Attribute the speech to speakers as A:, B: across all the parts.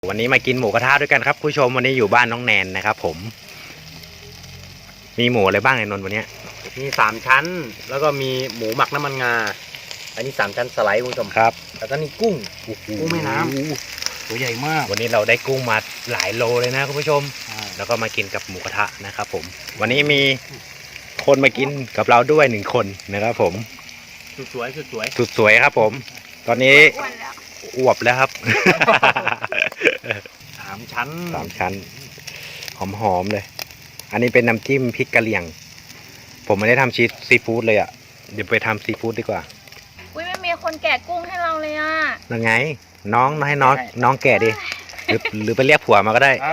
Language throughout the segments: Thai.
A: วันนี้มากินหมูกระทะด้วยกันครับผู้ชมวันนี้อยู่บ้านน้องแนนนะครับผมมีหมูอะไรบ้างในนนท์วันนี้
B: มี3 ชั้นแล้วก็มีหมูหมักน้ำมันงาอันนี้3 ชั้นสไลด์คุณผู้ชม
A: ครับ
B: แล้วก็นี่กุ้งแม่น้ำตัวใหญ่มาก
A: วันนี้เราได้กุ้งมาหลายโลเลยนะคุณผู้ชมแล้วก็มากินกับหมูกระทะนะครับผมวันนี้มีคนมากินกับเราด้วย1 คนนะครับผม
B: สุดสวย
A: ครับผมตอนนี้อวบแล้วครับ
B: 3 ชั้น
A: หอมเลยอันนี้เป็นน้ำจิ้มพริกกะเหรี่ยงผมไม่ได้ทำชีสซีฟู้ดเลยอ่ะเดี๋ยวไปทำซีฟู้ดดีกว่า
C: อุ้ยไม่มีคนแกะกุ้งให้เราเลยอ่ะ
A: ยังไงน้องให้น้องแกะดิหรือไปเรียกผัวมาก็ได้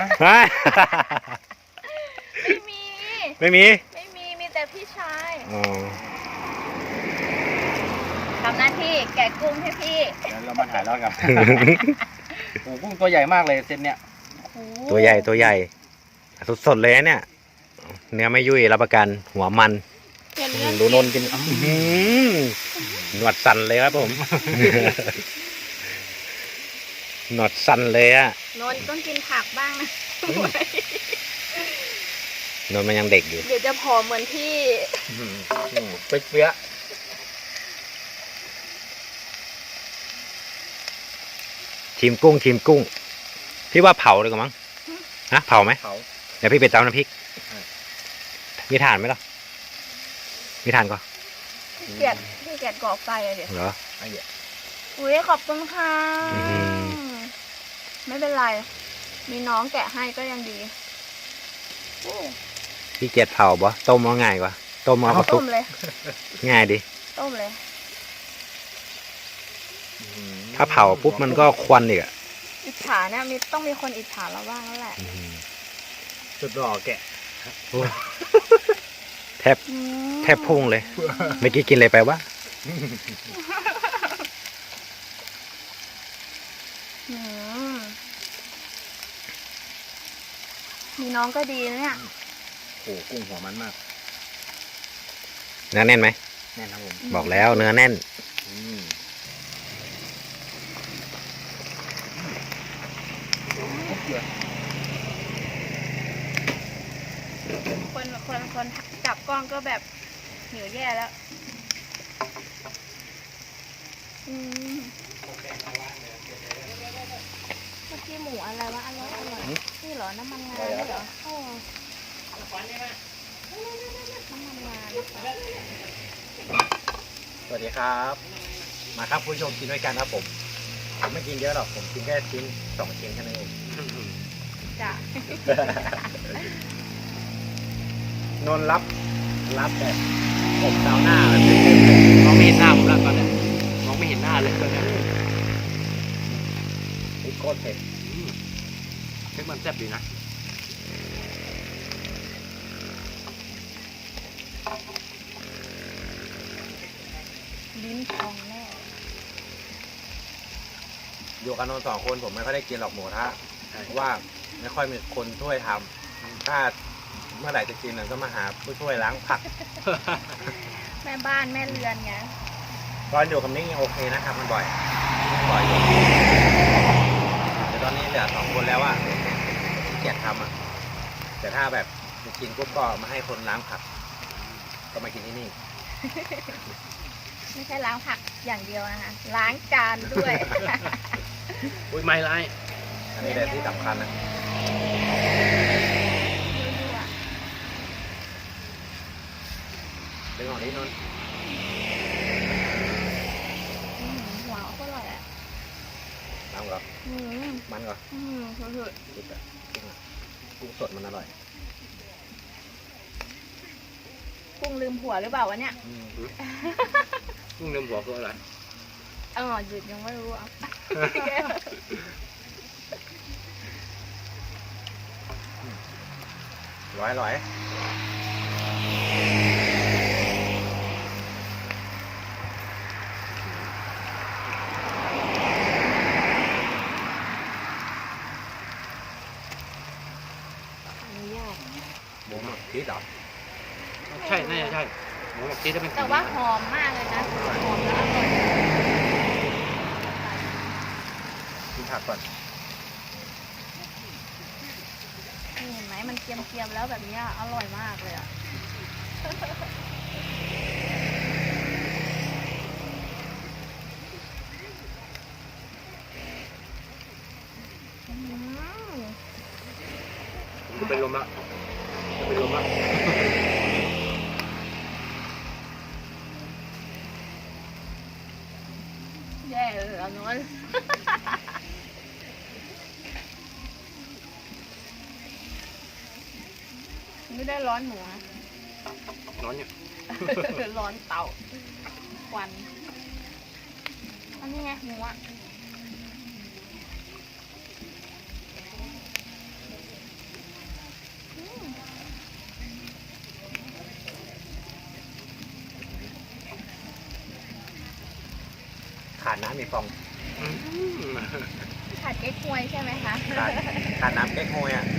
A: ไม่มี
C: มีแต่พี่ชายทำหน้าที่แกะกุ้งให้พี่
B: เดี๋ยวเรามาถ่ายรอดกันโอ้กุ้งตัวใหญ่มากเลยเซตเนี้ย
A: ตัวใหญ่สดๆเลยเนี่ยเนื้อไม่ยุ่ยรับประกันหัวมันดูนนกินหนวดสั่นเลยครับผมหนวดสั่นเลยอะ
C: นนต้องกินผักบ้างนะ
A: นนมันยังเด็กอยู่
C: เดี๋ยวจะผอมเหมือนพี่
B: เปี้ย
A: ชิมกุ้งพี่ว่าเผาเลยกว่ามั้งนะเผาไหมเดี๋ยวพี่ไปตำน้ำพริกมีถ่านไหมล่ะมีถ่านก่อน
C: พี่เกียรก่อไฟอะเดี๋ยว
A: เหรอ
C: อุ้ยขอบคุณค่ะไม่เป็นไรมีน้องแกะให้ก็ยังดี
A: พี่เกียรเผาบ่ต้มเอาง่ายกว่าต้มเอากระตุก
C: เลย
A: ง่ายดิ
C: ต้มเลย
A: ถ้าเผาปุ๊บมันก็ควันอีกอะ
C: อิจฉาเนี่ยต้องมีคนอิจฉาเราบ้างแล้วแหละ
B: สุดหล่อแกะ
A: แทบพุ่งเลยเมื่อกี้กินอะไรไปวะ
C: มีน้องก็ดีนะเนี่ย
B: โอ้กุ้งหัวมันมาก
A: เนื้อแน่นไหม
B: แน่นครับผม
A: บอกแล้วเนื้อแน่น
C: คนจับกล้องก็แบบหิวแย่แล้วเมื่อกี้หมูอะไรวะอร่อยนี่เหรอน้ำมันงาเหรอน้ำมันงา
A: สวัสดีครับมาครับผู้ชมกินด้วยกันครับผมไม่กินเยอะหรอกผมกินแค่ชิ้น2 ชิ้นแค่นั้นเอง
C: จ้ะ
A: นนรับแบบผมดาวหน้าแบบ
B: มองไม่เห็นหน้าผมแล้วตอนนี้มองไม่เห็นหน้าเลยตอนนี้
A: โคตรเผ็ด
B: มันแซ่บดีนะ
C: ลิ้นพองแน่
A: อยู่กันนน2 คนผมไม่ค่อยได้กินหรอกหมูกระทะเพราะว่าไม่ค่อยมีคนช่วยทำถ้าเมื่อไหร่จะกินก็มาหาผู้ช่วยล้างผัก
C: แม่บ้านแม่เรือนไง
A: ตอนอยู่กับนิ้งยังโอเคนะครับมันบ่อยอยู่แต่ตอนนี้เหลือ2 คนแล้วอ่ะเกียดทำอ่ะแต่ถ้าแบบกินปุ๊บก็มาให้คนล้างผักก็มากินที่นี่
C: ไม่ใช่ล้างผักอย่างเดียวนะคะล้างจานด้วย
B: อุ้ยไม่ไร
A: อันนี้แหละที่สำคัญนะดึงออกนิดนึง
C: หัวก็อร่อยอ่ะ
A: น้ำเหรอมันเหรอ
C: สุด
A: กุ้งสดมันอร่อย
C: กุ้งลืมผัวหรือเปล่าวะเนี่ย
B: กุ้งลืมผัวคืออะไร
C: หยุดยังไม่รู้อ่ะ
A: ร้อยหมูหมักพริกเหรอ
B: ใช่น่าจะใช่หมูหมักพริกจะเป็น
C: แต่ว่าหอมมากเลยนะหอมแล้วอร่อย
A: ผักก่อน
C: เกรียมๆแล้วแบบเนี้ยอร่อยมากเลยอ่ะ อืม
B: ผมจะเป็นลมละจะเป็นลมละ
C: แย่เลยอ่ะนวล ไม่ได้ร้อนหมูนะ
B: ร้อนเนี่ย
C: ร้อนเตาควันอันนี้ไงหมูอ่ะอืม
A: ขาดน้ำมีฟอง
C: ผัดเก๊กฮวยใช่ไหมคะ
A: ขาดน้ำเก๊กฮวยอ่ะ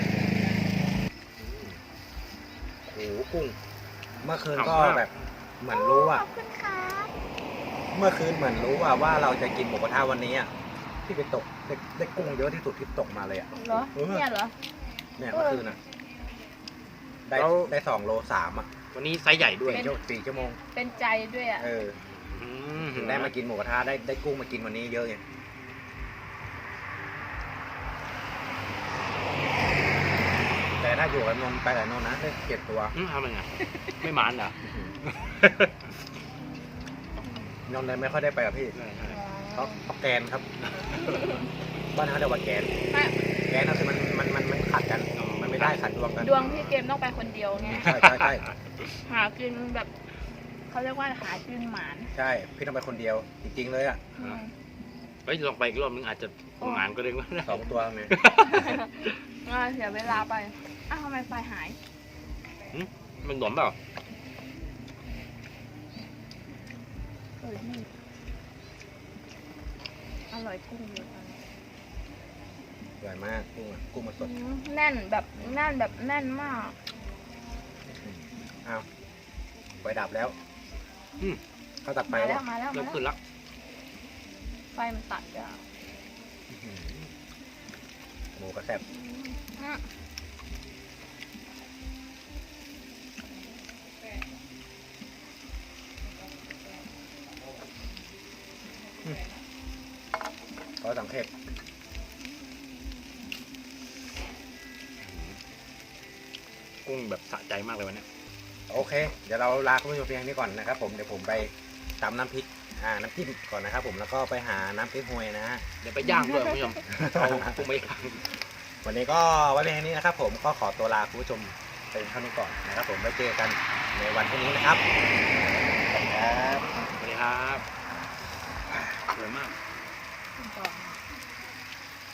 B: โอ้โหกุ้ง
A: เมื่อคืนก็
B: ขำมาก
A: แบบเหมือนรู้
C: ข
A: อ่ะ
C: อบคุณครับ
A: เมื่อคืนเหมือนรู้อ่ะว่าเราจะกินหมูกระทะวันนี้อ่ะที่ไปตกได้กุ้งเยอะที่สุดที่ตกมาเลยอ่ะ
C: เหรอ เนี่ยเหรอ
A: เนี่ยเมื่อคืนอ่ะ ได้
B: แล้ว
A: ได้2 โล 3อ่ะ
B: วันนี้ไซส์ใหญ่ด้วย
A: 4 ชั่วโมง
C: เป็นใจด้วยอ่ะ
A: เออ
B: อืม
A: ถึงได้มากินหมูกระทะได้กุ้งมากินวันนี้เยอะไงแต่ถ้าอยู่กับนนท์ไปกับนนท์นะได้7 ตัว
B: ทำไงอ่ะไม่หมานเหรอน
A: นท์เลยไม่ค่อยได้ไปกับพี่เขาแกนครับ บ้านเขาเรียกว่าแกน
C: ไม่
A: แกนก็คือมันขัดกัน มันไม่ได้ขัดดวงกัน
C: ดวงพี่เกมต้องไปคนเดียวไง
A: ใช่
C: หากินแบบเขาเรียกว่าหากินหมาน
A: ใช่พี่ต้องไปคนเดียว จริงๆเลยอ่ะ
C: อืม
B: เฮ้ยลองไปอีกรอบนึงอาจจะหมานก็ได้ว่า
A: 2 ตัวไง
C: เสียเวลาไป อ้าวทำไมไฟหาย
B: มันหลวมเปล่า
C: นี่อร่อยกุ้งเยอะจัง
A: สวยมากกุ้งอะกุ้งมาสด
C: แน่นแบบแน่นแบบแน่นมาก
A: อ้าวไฟดับแล้ว
B: อืม
A: เขาตัดไฟ
C: มาแล้ว
A: วะ
C: มาแล้ว
B: เริ่
C: มาม
B: ขึ้น
C: แล้ว
B: ละ
C: ไฟมันตัดอ่ะ
A: หมูกระแซ่บ
C: อ่ะ
A: ขอสังเกต
B: กุ้งแบบสะใจมากเลยวันนี้
A: โอเค เดี๋ยวเราลาคุณผู้ชมเพียงนี้ก่อนนะครับผมเดี๋ยวผมไปตำน้ำพริกน้ำจิ้มก่อนนะครับผมแล้วก็ไปหาน้ำพริกฮวยนะฮะ
B: เดี๋ยวไปย่างด้วยคุณผู้ชมเอากุ้งไปย่าง
A: วันนี้ก็ไว้เพียงแค่นี้นะครับผมก็ขอตัวลาคุณผู้ชมไปเท่านี้ก่อนนะครับผมไว้เจอกันในวันพรุ่งนี้นะครับสวัสดีครับ
B: สวัสดีครับสวยมาก
C: คุณต่อ